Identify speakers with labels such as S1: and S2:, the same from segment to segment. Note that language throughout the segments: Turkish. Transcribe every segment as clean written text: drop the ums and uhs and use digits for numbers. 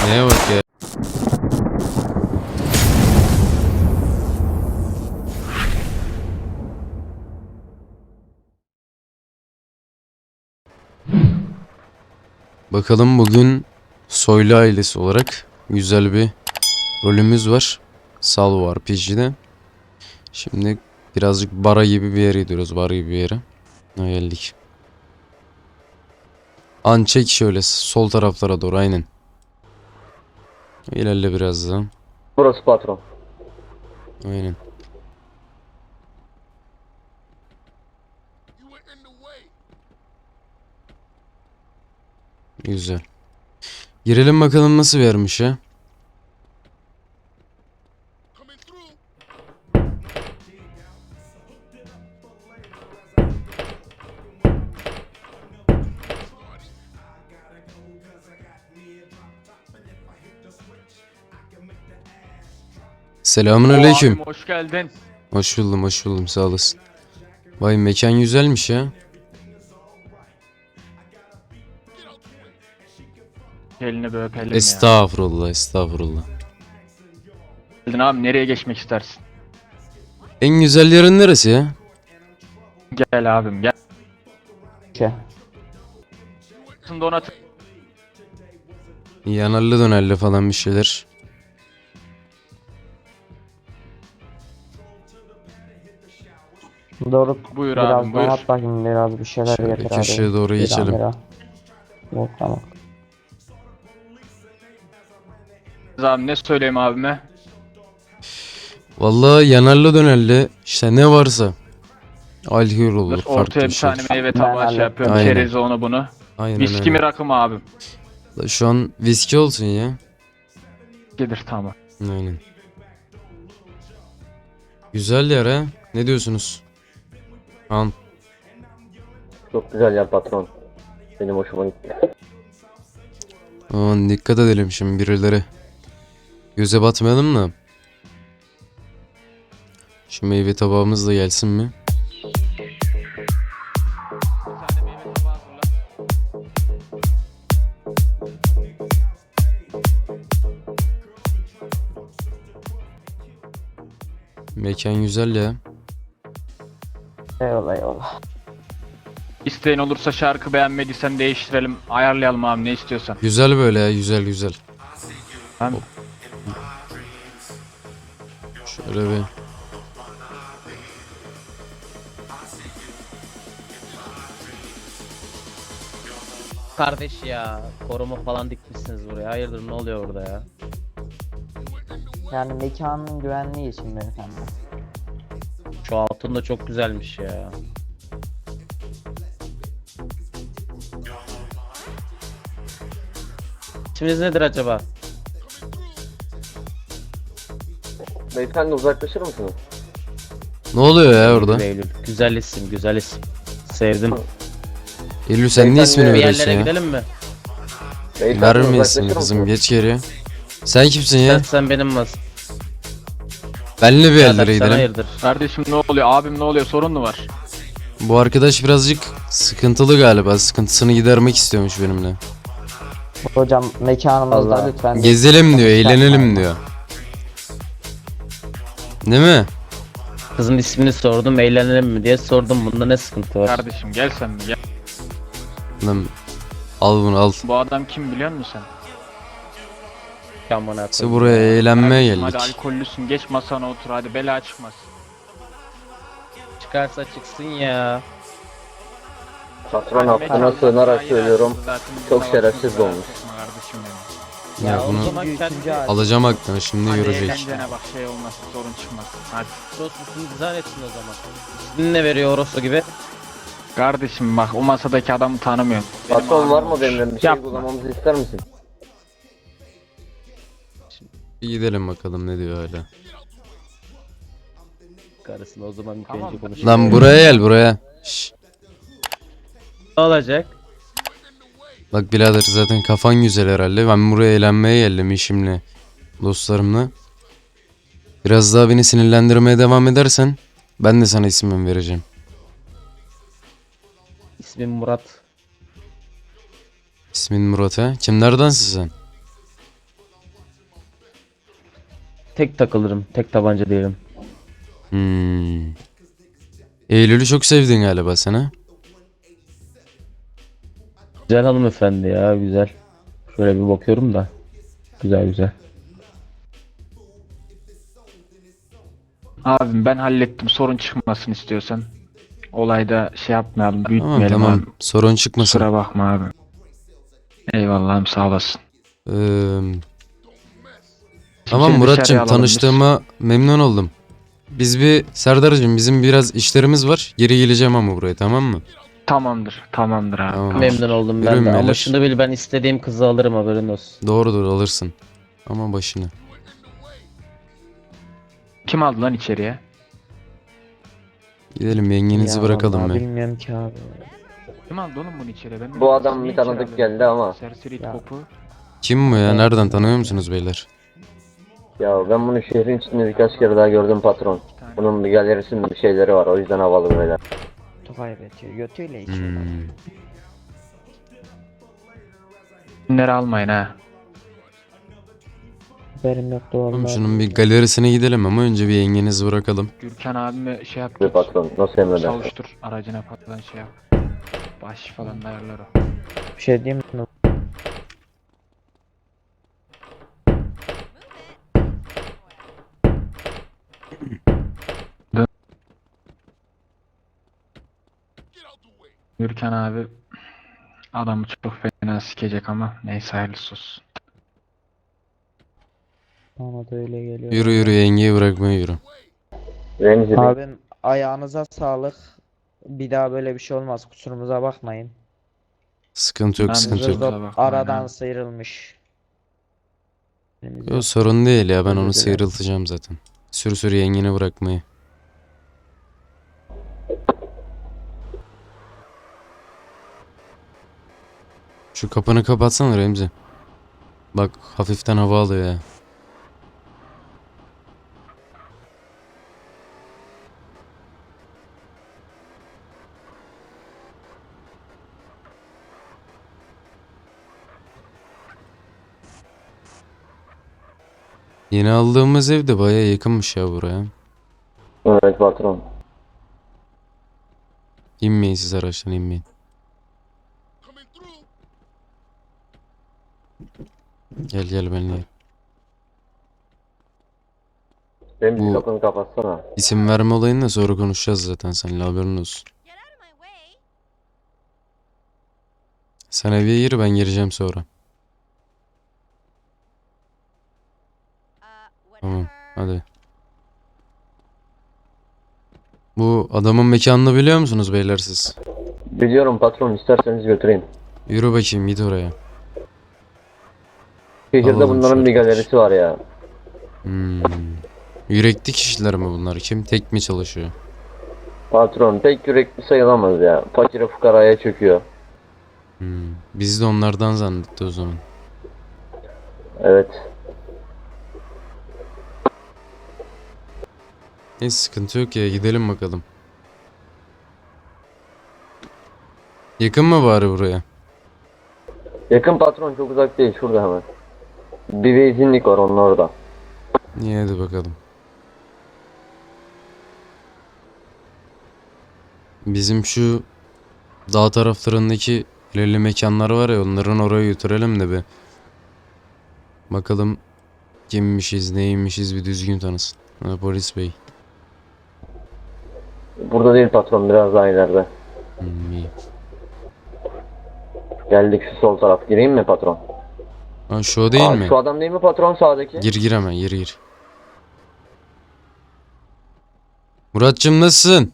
S1: Neye bak ya. Bakalım bugün Soylu ailesi olarak güzel bir rolümüz var. Salvo RPG'de. Şimdi birazcık bara gibi bir yere gidiyoruz. Bar gibi bir yere. Geldik. An çek şöyle sol taraflara doğru aynen. İlerle biraz daha.
S2: Burası patron.
S1: Aynen. Güzel. Girelim bakalım nasıl bir yermiş ya. Selamünaleyküm.
S3: Abim hoş geldin.
S1: Hoş buldum, hoş buldum. Sağ olasın. Vay mekan güzelmiş ya.
S3: Elini bir öpelim ya.
S1: Estağfurullah, estağfurullah.
S3: Geldin abi, nereye geçmek istersin?
S1: En güzel yerin neresi ya?
S3: Gel abim gel.
S2: Şey.
S3: Donat.
S1: Yanarlı dönerli falan bir şeyler.
S2: Doğru.
S3: Buyur
S2: Biraz
S3: abim, buyur.
S2: donat bakayım, biraz bir şeyler
S1: Şöyle
S2: getir
S1: köşeye
S2: abi.
S1: doğru
S2: Bir
S1: geçelim.
S2: lira. Yok tamam.
S3: Abi ne söyleyeyim abime?
S1: Vallahi yanarlı dönerli işte ne varsa. Alkol olur, farklı
S3: Ortaya
S1: bir
S3: bir
S1: şey.
S3: tane meyve
S2: Ben
S3: tabağı şey yapıyorum.
S1: Aynen.
S3: Çerezi onu bunu.
S1: Aynen
S3: Viski mi
S1: öyle.
S3: rakı mı abim?
S1: Şu an viski olsun ya.
S3: Gelir tamam.
S1: Aynen. Güzel yer ha. Ne diyorsunuz? An.
S2: Çok güzel yer patron. Benim hoşuma gitti.
S1: Aman dikkat edelim şimdi birileri. Göze batmayalım da. Şu meyve tabağımız da gelsin mi?
S3: Bir tane meyve tabağı hazırla.
S1: Mekan güzel ya.
S2: Eyvallah eyvallah.
S3: İsteğin olursa şarkı beğenmediysen değiştirelim. Ayarlayalım abi, ne istiyorsan.
S1: Güzel böyle ya, güzel güzel.
S3: Ben
S1: Şöyle bir.
S4: Kardeş ya, koruma falan dikmişsiniz buraya. Hayırdır, ne oluyor orada ya?
S2: Yani mekanın güvenliği için beyefendi.
S4: Şu altın da çok güzelmiş ya. İsminiz nedir acaba?
S2: Beyefendi uzaklaşır mısınız?
S1: Ne oluyor ya orada?
S4: Eylül. Güzel isim, güzel isim. Sevdim.
S1: Eylül sen niye
S2: Beyefendi,
S1: ismini
S4: Bir
S1: veriyorsun
S4: yerlere
S1: ya?
S4: gidelim mi?
S2: Beyefendi
S1: Verme
S2: uzaklaşır
S1: ismini kızım,
S2: mısınız?
S1: geç geriye. Sen kimsin ya?
S4: Sen benim mas.
S1: Benle bir
S4: Birader,
S1: yerlere
S4: sen
S1: gidelim.
S4: hayırdır?
S3: kardeşim ne oluyor? Abim ne oluyor? Sorun mu var?
S1: Bu arkadaş birazcık sıkıntılı galiba. Sıkıntısını gidermek istiyormuş benimle.
S2: Hocam mekanımızda lütfen.
S1: Gezelim diyor, eğlenelim diyor. Değil mi?
S4: Kızın ismini sordum, eğlenelim mi diye sordum. Bunda ne sıkıntı var?
S3: Kardeşim gel sen bir gel.
S1: Lan, al bunu al.
S3: Bu adam kim biliyor musun sen?
S4: Kamona
S1: İşte buraya eğlenmeye
S3: Kardeşim, hadi
S1: geldik.
S3: alkollüsün, geç masana otur, hadi bela çıkmaz.
S4: çıkarsa çıksın ya.
S2: Patron
S3: Hadi
S2: affına
S3: mekan
S2: sığınarak
S3: zaten
S2: söylüyorum.
S3: zaten
S2: Çok
S3: bir
S2: şerefsiz
S3: savaşımız
S2: olmuş.
S3: var kardeşim benim.
S1: Ya
S4: o
S1: bunu
S4: zaman kendi
S1: alacağım aklına, şimdi
S3: Hadi
S1: görecek.
S3: eğlencene bak, şey olmaz, sorun çıkmaz. Hadi.
S4: dostluğunu izah etsin o zaman. İsmini ne veriyor Orospu gibi?
S3: Kardeşim bak, o masadaki adamı tanımıyorum. Benim
S2: Patron var
S3: abim
S2: mı
S3: olmuş.
S2: benimle bir şey
S3: Yapma.
S2: kullanmamızı ister misin?
S1: Bir gidelim bakalım ne diyor hala.
S4: Karısına o zaman
S3: Tamam.
S4: önce konuşalım.
S1: Lan buraya gel buraya. Şşş.
S4: Ne olacak?
S1: Bak birader zaten kafan güzel herhalde. Ben buraya eğlenmeye geldim işimle. Dostlarımla. Biraz daha beni sinirlendirmeye devam edersen ben de sana ismimi vereceğim.
S4: İsmim Murat.
S1: İsmin Murat ha? Kimlerdensin sen?
S4: tek takılırım. Tek tabanca diyelim.
S1: Hmm. Eylül'ü çok sevdin galiba sen ha?
S4: Güzel hanımefendi ya, güzel. Şöyle bir bakıyorum da. Güzel güzel.
S3: Abim ben hallettim. Sorun çıkmasın istiyorsan. Olayda şey yapmayalım,
S1: Tamam
S3: büyütmeyelim
S1: tamam.
S3: abi.
S1: Sorun çıkmasın.
S3: Kusura bakma abi. Eyvallah abi, sağ olasın.
S1: Ee,
S3: Şimdi
S1: tamam
S3: seni
S1: Muratcığım,
S3: dışarıya alalım biz.
S1: tanıştığıma memnun oldum. Biz bir Serdar'cığım, bizim biraz işlerimiz var. Geri geleceğim ama buraya, tamam mı?
S3: Tamamdır. Tamamdır abi.
S1: Tamam.
S3: Tamam.
S4: Memnun oldum ben
S1: Yürüyün
S4: de. Ama
S1: beyler.
S4: şunu bil, ben istediğim kızı alırım, haberin olsun.
S1: Doğrudur, alırsın. Ama başını.
S3: Kim aldı lan içeriye?
S1: Gidelim, yengenizi
S5: Ya
S1: bırakalım
S5: vallahi
S1: be.
S5: bilmiyorum ki abi.
S3: Kim aldı oğlum bunu içeriye? Ben de
S2: Bu adam
S3: niye
S2: bir
S3: içeri
S2: tanıdık
S3: alıyorsun?
S2: geldi ama.
S3: Serseri it
S5: Ya.
S3: kopu.
S1: Kim bu ya? Nereden tanıyor musunuz beyler?
S2: Ya ben bunu şehrin içinde birkaç kere daha gördüm patron.
S3: Bir tane.
S2: Bunun bir galerisinde bir şeyleri var, o yüzden havalı böyle.
S5: Kutu kaybediyor. Götüyle içiyor.
S1: Hmm.
S3: Bunları almayın ha.
S5: Haberim yoktu
S1: Tamam,
S5: vallahi.
S1: şunun bir galerisine gidelim ama önce bir yengenizi bırakalım.
S3: Gürkan abime şey yap.
S2: Bir
S3: git.
S2: patron nasıl emredersin?
S3: Savuştur aracına falan şey yap. Baş falan ayarlar o.
S5: Bir şey diyeyim mi?
S3: Gürkan abi adamı çok fena sikecek ama neyse, hayırlısı olsun.
S5: Bana da öyle geliyor.
S1: Yürü yürü, yengeyi bırakmaya yürü.
S2: Remzi Bey,
S5: Abim ayağınıza sağlık. Bir daha böyle bir şey olmaz. Kusurumuza bakmayın.
S1: Sıkıntı yok,
S3: Ben de
S1: sıkıntı
S3: zor-
S1: yok.
S5: Zırdop
S3: Kusura bakmayın
S5: aradan
S3: abi.
S5: sıyrılmış.
S1: Yok, sorun değil ya, ben
S5: Özür
S1: onu
S5: dilerim.
S1: sıyrıltacağım zaten. Sür sür yengeni bırakmayı. Şu kapını kapatsana Remzi. Bak, hafiften hava alıyor ya. Yeni aldığımız ev de baya yakınmış ya buraya.
S2: evet patron.
S1: İnmeyin siz araçtan, inmeyin. Gel gel benimle.
S2: Remzi
S1: Bu-
S2: kapını kapatsana.
S1: İsim verme olayını da sonra konuşacağız zaten, seninle haberin olsun.
S6: Get out of my way.
S1: Sen eve gir, ben gireceğim sonra. Tamam,
S6: Whatever.
S1: hadi. Bu adamın mekanını biliyor musunuz beyler siz?
S2: Biliyorum patron, isterseniz götüreyim.
S1: Yürü bakayım, git oraya.
S2: Şehirde
S1: Alalım
S2: bunların
S1: şu
S2: bir
S1: arkadaş.
S2: galerisi var ya.
S1: Hmm. Yürekli kişiler mi bunlar? Kim tek mi çalışıyor?
S2: Patron pek yürekli sayılamaz ya. Fakire fukaraya çöküyor.
S1: Biz de onlardan zannetti o zaman.
S2: Evet.
S1: Neyse, sıkıntı yok ya, gidelim bakalım. Yakın mı bari buraya?
S2: Yakın patron, çok uzak değil, şurada hemen. Bir benzinlik var onun orada.
S1: İyi, hadi bakalım. Bizim şu dağ taraflarındaki ilerli mekanlar var ya, onların oraya götürelim de bir. Bakalım kimmişiz, neymişiz, bir düzgün tanısın. Ha, polis bey.
S2: Burada değil patron, biraz daha ileride.
S1: İyi.
S2: Geldik, şu sol taraf. Gireyim mi patron?
S1: Ha, şu o değil mi?
S2: Şu adam değil mi patron, sağdaki?
S1: Gir gir hemen, gir. Muratcığım, nasılsın?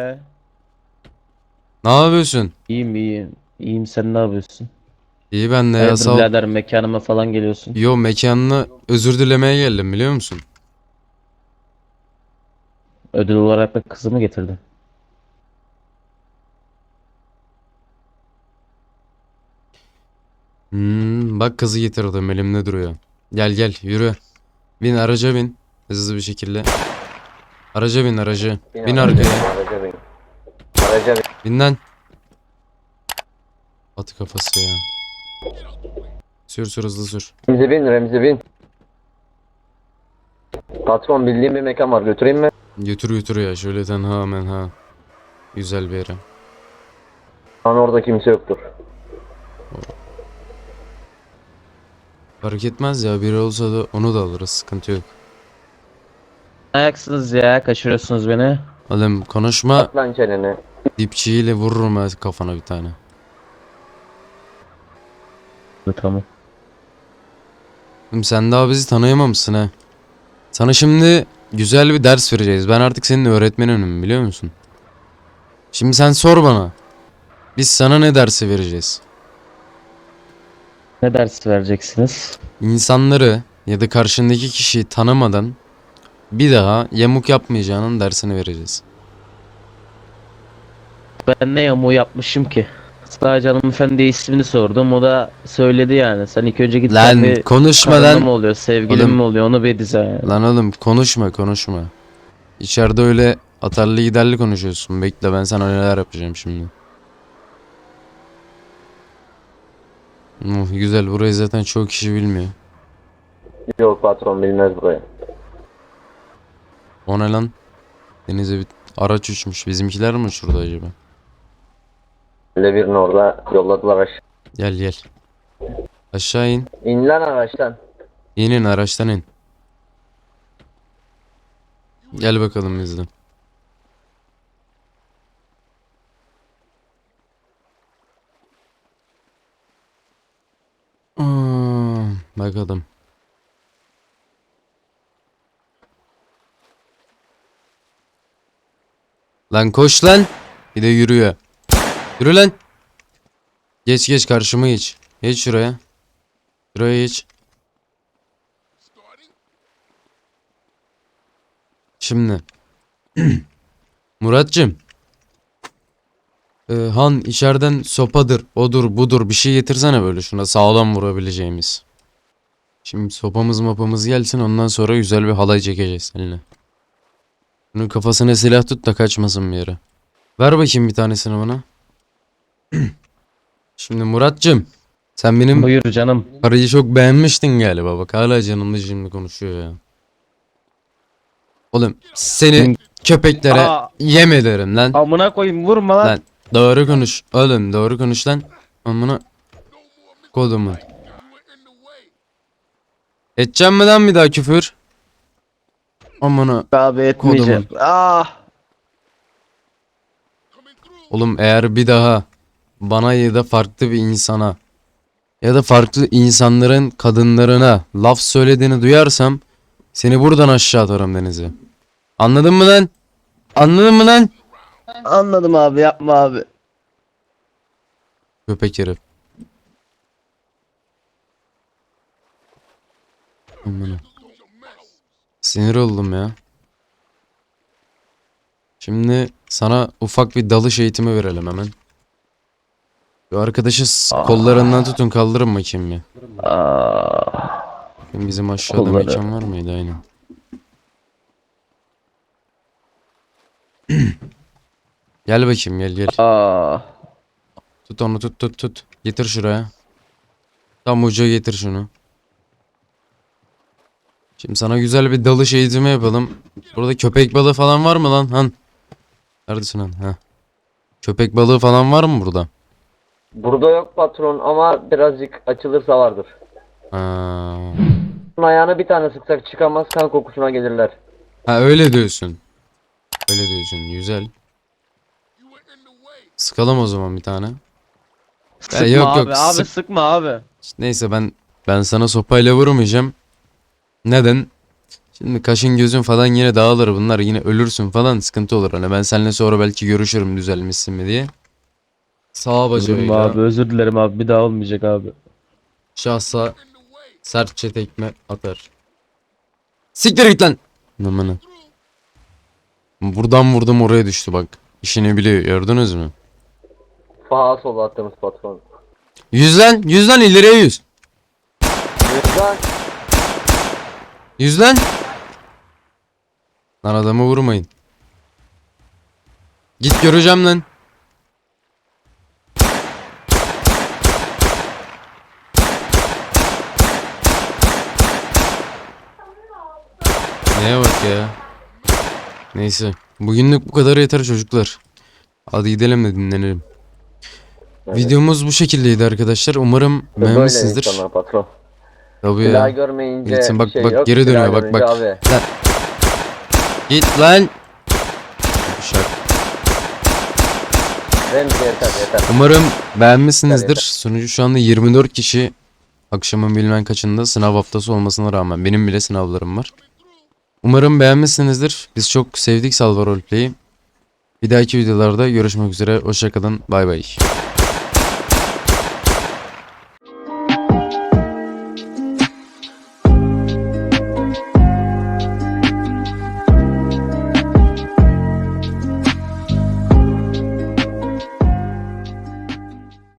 S1: Ne yapıyorsun?
S4: İyiyim iyiyim. İyiyim, sen ne yapıyorsun?
S1: İyi ben de ya,
S4: Hayırdır
S1: sağ ol.
S4: birader, mekanıma falan geliyorsun.
S1: Yo, mekanına özür dilemeye geldim, biliyor musun?
S4: Ödül olarak da kızımı getirdin.
S1: Bak, kızı getirdim, elimde duruyor. Gel gel, yürü. Bin araca, bin. Hızlı bir şekilde. Araca bin, araca. Bin
S2: araca
S1: arkaya.
S2: Araca bin. Araca bin.
S1: Bin lan. At kafası ya. Sür sür, hızlı sür.
S2: Remzi bin, Remzi bin. Patron bildiğim bir mekan var, götüreyim mi?
S1: Götür götür ya şöyle tenha menha. Güzel bir yere.
S2: Şu an orada kimse yoktur.
S1: Fark etmez ya, biri olsa da onu da alırız, sıkıntı yok.
S4: Ayaksınız ya, kaçırıyorsunuz beni.
S1: Oğlum konuşma,
S2: At lan çeneni.
S1: dipçiyle vururum ha kafana bir tane.
S4: Tamam.
S1: Oğlum sen daha bizi tanıyamamışsın ha. Sana şimdi güzel bir ders vereceğiz. Ben artık senin öğretmenim, biliyor musun? Şimdi sen sor bana. Biz sana ne dersi vereceğiz?
S4: Ne ders vereceksiniz?
S1: İnsanları ya da karşındaki kişiyi tanımadan bir daha yamuk yapmayacağının dersini vereceğiz.
S4: Ben ne yamuğu yapmışım ki? Sadece hanımefendiye ismini sordum. O da söyledi yani. Sen ilk önce git
S1: Lan
S4: bir
S1: konuşma
S4: karınla
S1: lan.
S4: mı oluyor, sevgilin
S1: Oğlum.
S4: mi oluyor onu bir dize yani.
S1: Lan oğlum konuşma. İçeride öyle atarlı giderli konuşuyorsun. Bekle, ben sana neler yapacağım şimdi. Güzel, burayı zaten çok kişi bilmiyor.
S2: Yok patron bilmez burayı.
S1: O ne lan? Denize bir araç uçmuş. Bizimkiler mi şurada acaba?
S2: Birini orada yolladılar aşağı.
S1: Gel. Aşağı in.
S2: İn lan araçtan.
S1: İnin, araçtan in. Gel bakalım bizle. Bakalım. Lan koş lan. Bir de yürüyor. Yürü lan. Geç karşıma geç. Geç şuraya. Şuraya geç. Şimdi. Muratcığım. Han içeriden sopadır, odur, budur bir şey getirsene böyle şuna sağlam vurabileceğimiz. Şimdi sopamız mapamız gelsin, ondan sonra güzel bir halay çekeceğiz seninle. Bunun kafasına silah tut da kaçmasın bir yere. Ver bakayım bir tanesini bana. Şimdi Muratcığım, sen benim
S4: Buyur canım.
S1: parayı çok beğenmiştin galiba, bak hala canımda şimdi konuşuyor ya. Oğlum seni köpeklere
S4: Aa.
S1: yem ederim lan.
S4: Amına koyayım, vurma lan.
S1: Lan doğru konuş oğlum, doğru konuş lan. Amına kodumun. Edeceğim mi lan bir daha küfür? Amına
S4: Abi etmeyeceğim. Ah.
S1: oğlum, eğer bir daha bana ya da farklı bir insana ya da farklı insanların kadınlarına laf söylediğini duyarsam seni buradan aşağı atarım denize. Anladın mı lan? Anladın mı lan?
S4: Anladım abi, yapma abi.
S1: Köpek herif. Amına. Sinir oldum ya. Şimdi sana ufak bir dalış eğitimi verelim hemen. Şu arkadaşı kollarından tutun, kaldırın bakayım ya. Bizim aşağıda
S4: Kolları.
S1: mekan var mıydı? Aynen. Gel bakayım, gel. Tut onu, tut. Getir şuraya. Tam uca getir şunu. Şimdi sana güzel bir dalış eğitimi yapalım. Burada köpek balığı falan var mı lan? Han. Neredesin han? Ha. Köpek balığı falan var mı burada?
S2: Burada yok patron ama birazcık açılırsa vardır.
S1: Ha.
S2: Bunun ayağına bir tane sıksak çıkamaz, kan kokusuna gelirler.
S1: Ha öyle diyorsun. Öyle diyorsun. Güzel. Sıkalım o zaman bir tane.
S4: Sıkma
S1: yok,
S4: abi, abi
S1: sık-
S4: sıkma abi.
S1: Neyse ben sana sopayla vurmayacağım. Neden? Şimdi kaşın gözün falan yine dağılır, bunlar yine ölürsün falan, sıkıntı olur. Hani ben seninle sonra belki görüşürüm düzelmişsin mi diye. Sağ
S4: Durma
S1: bacağıyla
S4: abi, özür dilerim abi, bir daha olmayacak abi.
S1: şahsa sertçe tekme atar. Siktir git lan. Amına. Buradan vurdum oraya düştü bak. İşini biliyor, gördünüz mü?
S2: Sağa sola attığımız patron.
S1: 100 lan ileriye 100.
S2: Yüzden
S1: 100 lan. Lan adamı vurmayın. Git göreceğim lan. Neye bak? ya. Neyse. Bugünlük bu kadar yeter çocuklar. Hadi gidelim de dinlenelim.
S2: Evet.
S1: Videomuz bu şekildeydi arkadaşlar. Umarım
S2: Böyle
S1: beğenmişsinizdir.
S2: insanlar patron.
S1: Tabii
S2: Silah
S1: ya.
S2: görmeyince
S1: Gitsin, bak,
S2: bir şey
S1: bak,
S2: yok.
S1: geri
S2: silah
S1: dönüyor, bak,
S2: görünce
S1: bak.
S2: Abi.
S1: Git lan. Şak.
S2: Remzi yeter.
S1: Umarım beğenmişsinizdir.
S2: Yeter.
S1: Sonucu şu anda 24 kişi akşamın bilmem kaçında sınav haftası olmasına rağmen benim bile sınavlarım var. Umarım beğenmişsinizdir. Biz çok sevdik Salvar Roleplay'i. Bir dahaki videolarda görüşmek üzere. Hoşça kalın. Bay bay.